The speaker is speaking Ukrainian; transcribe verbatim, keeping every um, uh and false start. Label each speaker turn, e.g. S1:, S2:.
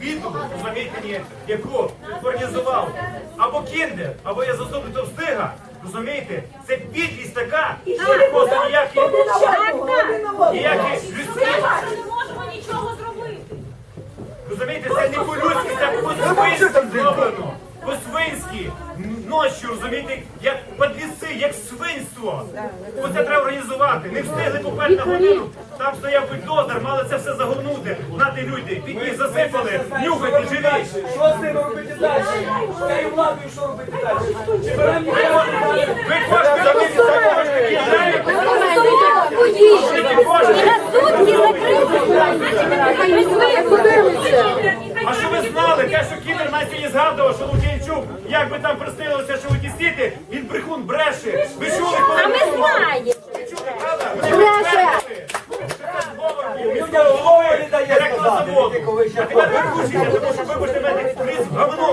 S1: біду, розумієте, ні, яку організував або Кіндер, або я заступник Товстига, розумієте, це підлість така, що не просто ніякі, ніякі людські.
S2: Ми не можемо нічого зробити.
S1: Розумієте, це не по-людськи, це по-свинськи зроблено. По-свинськи. Ночі, розумієте, як подліси, як свинство. Оце треба організувати. Не встигли попати на годину. Там стояв бульдозер, мали це все загорнути. Нати люди, підні засипали, нюхайте, живіть.
S3: Що з ними робити далі? З цією владою що робити далі? Чи беремо ніхто?
S1: Ви хочете робити такого А що ви знали? Те, що Кіндер на сьогодні згадував, що Лук'янчук, як би там пристрілилося, що тісніти, він брехун бреше. Ви чули, коли...
S2: А ми знаємо.
S1: Ви чули, правда? Вони бреше!
S3: Людям голови не дає
S1: Директор
S3: сказати,
S1: заводу.
S3: тільки коли
S1: А
S3: ще
S1: тепер ви кушайте, тому що ви будете мати крізь в говно.